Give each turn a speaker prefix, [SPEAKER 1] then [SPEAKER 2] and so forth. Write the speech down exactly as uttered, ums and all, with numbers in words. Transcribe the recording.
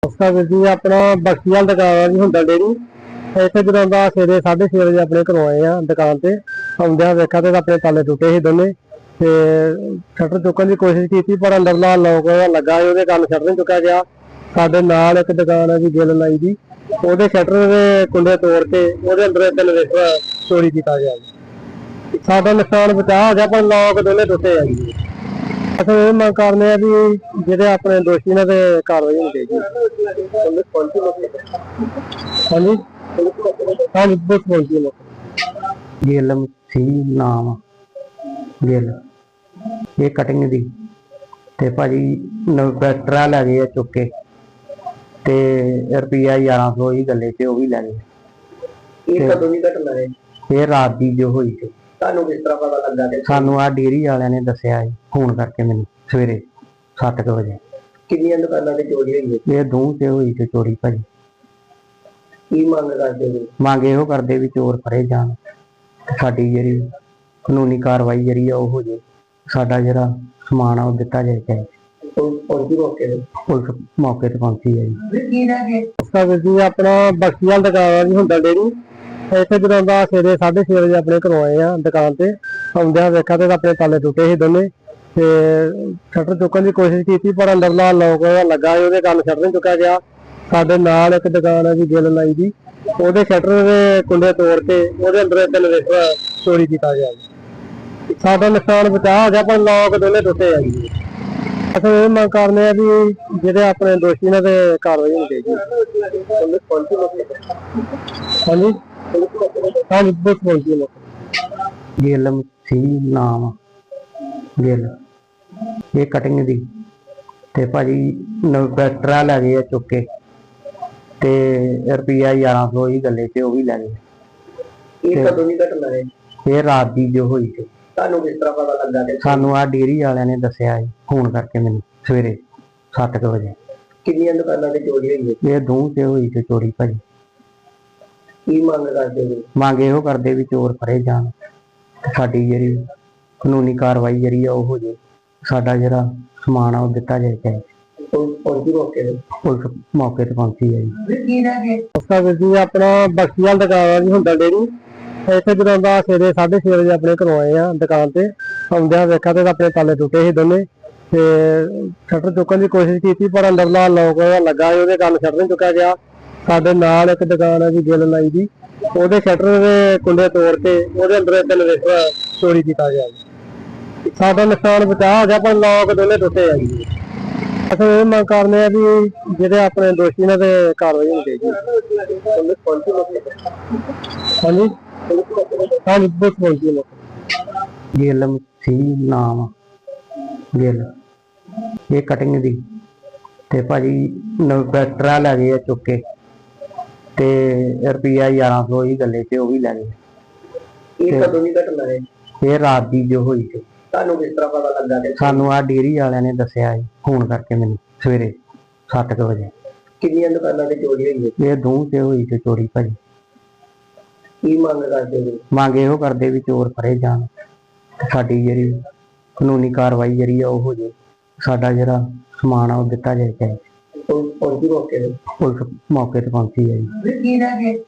[SPEAKER 1] ਨਮਸਕਾਰ ਵੀਰ ਜੀ, ਆਪਣਾ ਬਖਸ਼ੀ ਵਾਲੀ ਦੁਕਾਨ ਆ ਜੀ ਹੁੰਦਾ ਡੇਰੀ। ਇੱਥੇ ਜਦੋਂ ਦਾ ਸਵੇਰੇ ਸਾਢੇ ਛੇ ਵਜੇ ਆਪਣੇ ਘਰੋਂ ਆਏ ਆ ਦੁਕਾਨ ਤੇ ਆਉਂਦਿਆਂ ਵੇਖਿਆ ਤੇ ਆਪਣੇ ਤਾਲੇ ਟੁੱਟੇ ਸੀ ਦੋਨੇ ਤੇ ਸ਼ਟਰ ਚੁੱਕਣ ਦੀ ਕੋਸ਼ਿਸ਼ ਕੀਤੀ ਪਰ ਅੰਦਰਲਾ ਲੋਕ ਲੱਗਾ ਸੀ, ਉਹਦੇ ਕਾਰਨ ਸ਼ਟਰ ਨਹੀਂ ਚੁੱਕਿਆ ਗਿਆ। ਸਾਡੇ ਨਾਲ ਇੱਕ ਦੁਕਾਨ ਹੈ ਜੀ ਗਿੱਲ ਲਾਈ ਦੀ, ਉਹਦੇ ਸ਼ਟਰ ਦੇ ਕੁੰਡੇ ਤੋੜ ਕੇ ਉਹਦੇ ਅੰਦਰ ਇੱਕ ਇਨਵੇਟਰ ਚੋਰੀ ਕੀਤਾ ਗਿਆ ਜੀ। ਸਾਡਾ ਨੁਕਸਾਨ ਬਚਾ ਹੋ ਗਿਆ ਪਰ ਲੋਕ ਦੋਨੇ ਟੁੱਟੇ ਆ ਜੀ। ਅਸੀਂ ਇਹ ਮੰਗ ਕਰਦੇ ਆ ਵੀ ਜਿਹੜੇ ਆਪਣੇ ਦੋਸ਼ੀ ਨੇ ਤੇ ਕਾਰਵਾਈ ਹੋਣੀ ਚਾਹੀਦੀ। ਹਾਂਜੀ ਹਾਂਜੀ ਬਹੁਤ ਪਹੁੰਚੀ
[SPEAKER 2] ਗਿੱਲ ਸੀ ਨਾਮ ਗਿੱਲ, ਇਹ ਕਟਿੰਗ ਦੀ ਤੇ ਭਾਜੀ ਇਨਵੈਟਰ ਲੈ ਗਏ ਆ ਚੁੱਕ ਕੇ ਤੇ ਰੁਪਈਆ ਗਿਆਰਾਂ ਸੌ ਹੀ ਗੱਲੇ ਤੇ ਉਹ ਵੀ ਲੈ ਗਏ।
[SPEAKER 1] ਇਹ ਕਦੋਂ ਦੀ ਘਟਨਾ ਹੈ?
[SPEAKER 2] ਇਹ ਰਾਤ ਦੀ ਜੋ ਹੋਈ ਸੀ।
[SPEAKER 1] ਤੁਹਾਨੂੰ ਕਿਸ ਤਰ੍ਹਾਂ ਪਤਾ ਲੱਗਾ? ਕਿ
[SPEAKER 2] ਸਾਨੂੰ ਆ ਡੇਅਰੀ ਵਾਲਿਆਂ ਨੇ ਦੱਸਿਆ ਜੀ ਫੋਨ ਕਰਕੇ ਮੈਨੂੰ ਸਵੇਰੇ ਸੱਤ ਕੁ ਵਜੇ।
[SPEAKER 1] ਕਿੰਨੀਆਂ ਦੁਕਾਨਾਂ ਤੇ ਚੋਰੀ ਹੋਈ ਹੈ?
[SPEAKER 2] ਇਹ ਦੋ ਤੇ ਹੋਈ ਸੀ ਚੋਰੀ ਭਾਜੀ।
[SPEAKER 1] ਕੀ ਮੰਗ ਕਰਦੇ ਹੋ?
[SPEAKER 2] ਮੰਗ ਇਹੋ ਕਰਦੇ ਵੀ ਚੋਰ ਫੜੇ ਜਾਣ ਤੇ ਸਾਡੀ ਜਿਹੜੀ ਕਾਨੂੰਨੀ ਕਾਰਵਾਈ ਜਿਹੜੀ ਆ ਉਹ ਹੋ ਜੇ, ਸਾਡਾ ਜਿਹੜਾ ਸਮਾਨ ਆ ਉਹ ਦਿੱਤਾ ਜਾਏ। ਚਾਹੇ
[SPEAKER 1] ਪਹੁੰਚੀ ਮੌਕੇ ਤੇ?
[SPEAKER 2] ਪੁਲਿਸ ਮੌਕੇ ਤੇ ਪਹੁੰਚੀ ਹੈ ਜੀ।
[SPEAKER 1] ਵੀਰ ਜੀ, ਆਪਣਾ ਬਖਸ਼ੀ ਵਾਲੀ ਦੁਕਾਨ ਆ ਜੀ ਹੁੰਦਾ ਡੇਰੀ। ਇੱਥੇ ਜਦੋਂ ਦਾ ਸਵੇਰੇ ਸਾਢੇ ਛੇ ਵਜੇ ਆਪਣੇ ਘਰੋਂ ਆਏ ਆ ਦੁਕਾਨ ਤੇ ਆਉਂਦਿਆਂ ਵੇਖਿਆ ਤੇ ਆਪਣੇ ਤਾਲੇ ਟੁੱਟੇ ਸੀ ਦੋਨੇ ਤੇ ਸ਼ਟਰ ਚੁੱਕਣ ਦੀ ਕੋਸ਼ਿਸ਼ ਕੀਤੀ ਪਰ ਅੰਦਰਲਾ ਲੋਕ ਲੱਗਾ ਸੀ, ਉਹਦੇ ਕਾਰਨ ਸ਼ਟਰ ਨਹੀਂ ਚੁੱਕਿਆ ਗਿਆ। ਸਾਡੇ ਨਾਲ ਇੱਕ ਦੁਕਾਨ ਹੈ ਜੀ ਗਿੱਲ ਲਾਈ ਦੀ, ਉਹਦੇ ਸ਼ਟਰ ਦੇ ਕੁੰਡੇ ਤੋੜ ਕੇ ਉਹਦੇ ਅੰਦਰ ਇੱਕ ਇਨਵੇਟਰ ਚੋਰੀ ਕੀਤਾ ਗਿਆ ਜੀ। ਸਾਡਾ ਨੁਕਸਾਨ ਬਚਾ ਹੋ ਗਿਆ ਪਰ ਲੋਕ ਦੋਨੇ ਟੁੱਟੇ ਆ ਜੀ। ਅਸੀਂ ਇਹ ਮੰਗ ਕਰਦੇ ਆ ਵੀ ਜਿਹੜੇ ਆਪਣੇ ਦੋਸ਼ੀ ਨੇ ਤੇ ਕਾਰਵਾਈ ਹੋਣੀ ਚਾਹੀਦੀ। ਹਾਂਜੀ ਹਾਂਜੀ ਬਹੁਤ ਪਹੁੰਚੀ
[SPEAKER 2] ਗਿੱਲ ਸੀ ਨਾਮ ਗਿੱਲ, ਇਹ ਕਟਿੰਗ ਦੀ ਤੇ ਭਾਜੀ ਇਨਵੈਟਰ ਲੈ ਗਏ ਆ ਚੁੱਕ ਕੇ ਤੇ ਰੁਪਈਆ ਗਿਆਰਾਂ ਸੌ ਹੀ ਗੱਲੇ ਤੇ ਉਹ ਵੀ ਲੈ ਗਏ।
[SPEAKER 1] ਇਹ ਕਦੋਂ ਦੀ ਘਟਨਾ ਹੈ?
[SPEAKER 2] ਇਹ ਰਾਤ ਦੀ ਜੋ ਹੋਈ ਸੀ।
[SPEAKER 1] ਤੁਹਾਨੂੰ ਕਿਸ ਤਰ੍ਹਾਂ ਪਤਾ ਲੱਗਾ? ਕਿ
[SPEAKER 2] ਸਾਨੂੰ ਆ ਡੇਅਰੀ ਵਾਲਿਆਂ ਨੇ ਦੱਸਿਆ ਜੀ ਫੋਨ ਕਰਕੇ ਮੈਨੂੰ ਸਵੇਰੇ ਸੱਤ ਕੁ ਵਜੇ।
[SPEAKER 1] ਕਿੰਨੀਆਂ ਦੁਕਾਨਾਂ ਤੇ ਚੋਰੀ ਹੋਈ ਹੈ?
[SPEAKER 2] ਇਹ ਦੋ ਤੇ ਹੋਈ ਸੀ ਚੋਰੀ ਭਾਜੀ।
[SPEAKER 1] ਕੀ ਮੰਗ ਕਰਦੇ ਹੋ?
[SPEAKER 2] ਮੰਗ ਇਹੋ ਕਰਦੇ ਵੀ ਚੋਰ ਫੜੇ ਜਾਣ ਤੇ ਸਾਡੀ ਜਿਹੜੀ ਕਾਨੂੰਨੀ ਕਾਰਵਾਈ ਜਿਹੜੀ ਆ ਉਹ ਹੋ ਜੇ, ਸਾਡਾ ਜਿਹੜਾ ਸਮਾਨ ਆ ਉਹ ਦਿੱਤਾ ਜਾਏ। ਚਾਹੇ
[SPEAKER 1] ਪਹੁੰਚੀ ਮੌਕੇ ਤੇ?
[SPEAKER 2] ਪੁਲਿਸ ਮੌਕੇ ਤੇ ਪਹੁੰਚੀ ਹੈ ਜੀ।
[SPEAKER 1] ਨਮਸਕਾਰ ਵੀਰ ਜੀ, ਆਪਣਾ ਬਖਸ਼ੀ ਵਾਲੀ ਦੁਕਾਨ ਆ ਜੀ ਹੁੰਦਾ ਡੇਰੀ। ਇੱਥੇ ਜਦੋਂ ਦਾ ਸਵੇਰੇ ਸਾਢੇ ਛੇ ਵਜੇ ਆਪਣੇ ਘਰੋਂ ਆਏ ਆ ਦੁਕਾਨ ਤੇ ਆਉਂਦਿਆਂ ਵੇਖਿਆ ਤੇ ਆਪਣੇ ਤਾਲੇ ਟੁੱਟੇ ਸੀ ਦੋਨੇ ਤੇ ਸ਼ਟਰ ਚੁੱਕਣ ਦੀ ਕੋਸ਼ਿਸ਼ ਕੀਤੀ ਪਰ ਅੰਦਰਲਾ ਲੋਕ ਲੱਗਾ ਸੀ, ਉਹਦੇ ਕਾਰਨ ਸ਼ਟਰ ਨਹੀਂ ਚੁੱਕਿਆ ਗਿਆ। ਸਾਡੇ ਨਾਲ ਇੱਕ ਦੁਕਾਨ ਹੈ ਜੀ ਗਿੱਲ ਲਾਈ ਦੀ, ਉਹਦੇ ਸ਼ਟਰ ਦੇ ਕੁੰਡੇ ਤੋੜ ਕੇ ਉਹਦੇ ਅੰਦਰ ਇੱਕ ਇਨਵੇਟਰ ਚੋਰੀ ਕੀਤਾ ਗਿਆ ਜੀ। ਸਾਡਾ ਨੁਕਸਾਨ ਬਚਾ ਹੋ ਗਿਆ ਪਰ ਲੋਕ ਦੋਨੇ ਟੁੱਟੇ ਆ ਜੀ। ਅਸੀਂ ਇਹ ਮੰਗ ਕਰਦੇ ਆ ਵੀ ਜਿਹੜੇ ਆਪਣੇ ਦੋਸ਼ੀ ਨੇ ਤੇ ਕਾਰਵਾਈ ਹੋਣੀ ਚਾਹੀਦੀ। ਹਾਂਜੀ ਹਾਂਜੀ ਬਹੁਤ ਪਹੁੰਚੀ
[SPEAKER 2] ਗਿੱਲ ਸੀ ਨਾਮ ਗਿੱਲ, ਇਹ ਕਟਿੰਗ ਦੀ ਤੇ ਭਾਜੀ ਇਨਵੈਟਰ ਲੈ ਗਏ ਆ ਚੁੱਕ ਕੇ ਤੇ ਰੁਪਈਆ ਗਿਆਰਾਂ ਸੌ ਹੀ ਗੱਲੇ ਤੇ ਉਹ ਵੀ ਲੈ ਗਏ।
[SPEAKER 1] ਇਹ ਕਦੋਂ ਦੀ ਘਟਨਾ ਹੈ?
[SPEAKER 2] ਇਹ ਰਾਤ ਦੀ ਜੋ ਹੋਈ ਸੀ।
[SPEAKER 1] ਤੁਹਾਨੂੰ ਕਿਸ ਤਰ੍ਹਾਂ ਪਤਾ ਲੱਗਾ? ਕਿ
[SPEAKER 2] ਸਾਨੂੰ ਆ ਡੇਅਰੀ ਵਾਲਿਆਂ ਨੇ ਦੱਸਿਆ ਜੀ ਫੋਨ ਕਰਕੇ ਮੈਨੂੰ ਸਵੇਰੇ ਸੱਤ ਕੁ ਵਜੇ।
[SPEAKER 1] ਕਿੰਨੀਆਂ ਦੁਕਾਨਾਂ ਤੇ ਚੋਰੀ ਹੋਈ ਹੈ?
[SPEAKER 2] ਇਹ ਦੋ ਤੇ ਹੋਈ ਸੀ ਚੋਰੀ ਭਾਜੀ।
[SPEAKER 1] ਕੀ ਮੰਗ ਕਰਦੇ ਹੋ?
[SPEAKER 2] ਮੰਗ ਇਹੋ ਕਰਦੇ ਵੀ ਚੋਰ ਫੜੇ ਜਾਣ ਤੇ ਸਾਡੀ ਜਿਹੜੀ ਕਾਨੂੰਨੀ ਕਾਰਵਾਈ ਜਿਹੜੀ ਆ ਉਹ ਹੋ ਜੇ, ਸਾਡਾ ਜਿਹੜਾ ਸਮਾਨ ਆ ਉਹ ਦਿੱਤਾ ਜਾਏ। ਚਾਹੇ
[SPEAKER 1] ਪਹੁੰਚੀ ਮੌਕੇ ਤੇ?
[SPEAKER 2] ਪੁਲਿਸ ਮੌਕੇ ਤੇ ਪਹੁੰਚੀ ਹੈ ਜੀ।